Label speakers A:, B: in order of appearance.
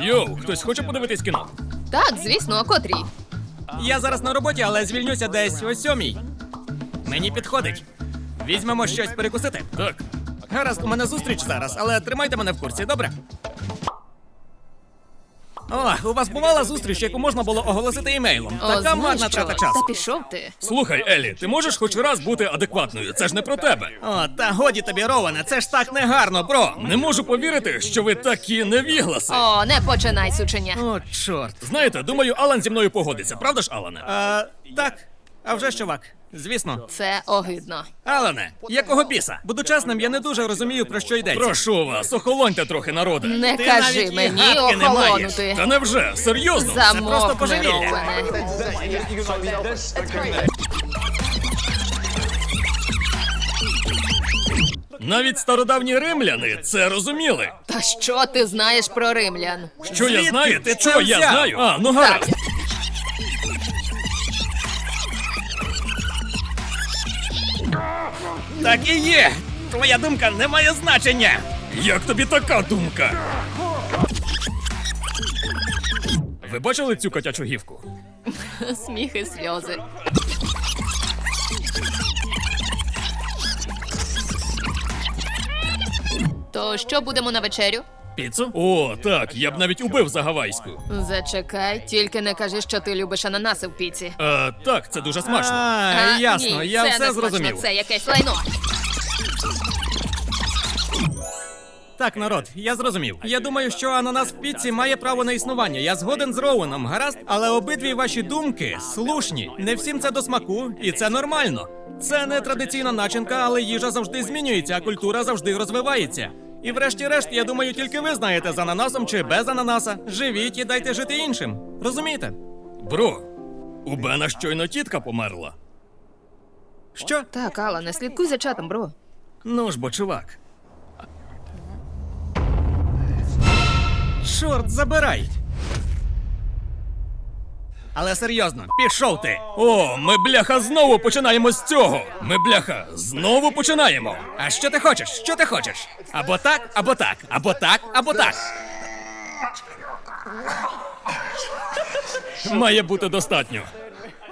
A: Йоу, хтось хоче подивитись кіно?
B: Так, звісно, о котрій?
C: Я зараз на роботі, але звільнюся десь о 7:00. Мені підходить. Візьмемо щось перекусити.
A: Так.
C: Гаразд, у мене зустріч зараз, але тримайте мене в курсі, добре? О, у вас бувала зустріч, яку можна було оголосити емейлом.
B: О,
C: Така
B: знаєш
C: марна
B: що?
C: трата часу.
B: Та пішов ти.
A: Слухай, Елі, ти можеш хоч раз бути адекватною? Це ж не про тебе.
C: О, та годі тобі, Роване, це ж так негарно, бро.
A: Не можу повірити, що ви такі невігласи.
B: О, не починай, сученя.
C: О, чорт.
A: Знаєте, думаю, Алан зі мною погодиться, правда ж, Алане?
C: Так. А вже ж, чувак. Звісно.
B: Це огидно.
C: Алане, якого біса? Буду чесним, я не дуже розумію, про що йдеться.
A: Прошу вас, охолоньте трохи, народе.
B: Не
C: Ти
B: кажи
C: навіть і
B: мені
C: гадки не маєш.
B: охолонути.
A: Та невже? Серйозно?
C: просто
B: Замовкни,
C: божевілля.
B: Роуене.
A: Навіть стародавні римляни це розуміли.
B: Та що ти знаєш про римлян?
A: Що я
C: Звідки
A: знаю?
C: ти
A: Що
C: це
A: я
C: взяв?
A: знаю? А, ну гаразд.
B: Так.
C: Так і є. Твоя думка не має значення.
A: Як тобі така думка? Ви бачили цю котячу гівку?
B: Сміх і сльози. То що будемо на вечерю?
A: Піцу? О, так, я б навіть убив за гавайську.
B: Зачекай, тільки не кажи, що ти любиш ананаси в піці.
A: Так, це дуже смачно.
C: Ясно,
B: ні,
C: я
B: це
C: все
B: не смачно,
C: зрозумів.
B: Це якесь лайно.
C: Так, народ, я зрозумів. Я думаю, що ананас в піці має право на існування. Я згоден з Роуеном, гаразд? Але обидві ваші думки слушні. Не всім це до смаку, і це нормально. Це не традиційна начинка, але їжа завжди змінюється, а культура завжди розвивається. І врешті-решт, я думаю, тільки ви знаєте, з ананасом чи без ананаса. Живіть і дайте жити іншим. Розумієте?
A: Бро, у Бена щойно тітка померла.
C: Що?
B: Так, Алла, не слідкуй за чатом, бро.
C: Ну ж бо, чувак. Чорт, забирай. Але серйозно, пішов ти.
A: О, ми, бляха, знову починаємо з цього. Ми, бляха, знову починаємо.
C: А що ти хочеш? Що ти хочеш? Або так, або так, або так, або так.
A: Має бути достатньо.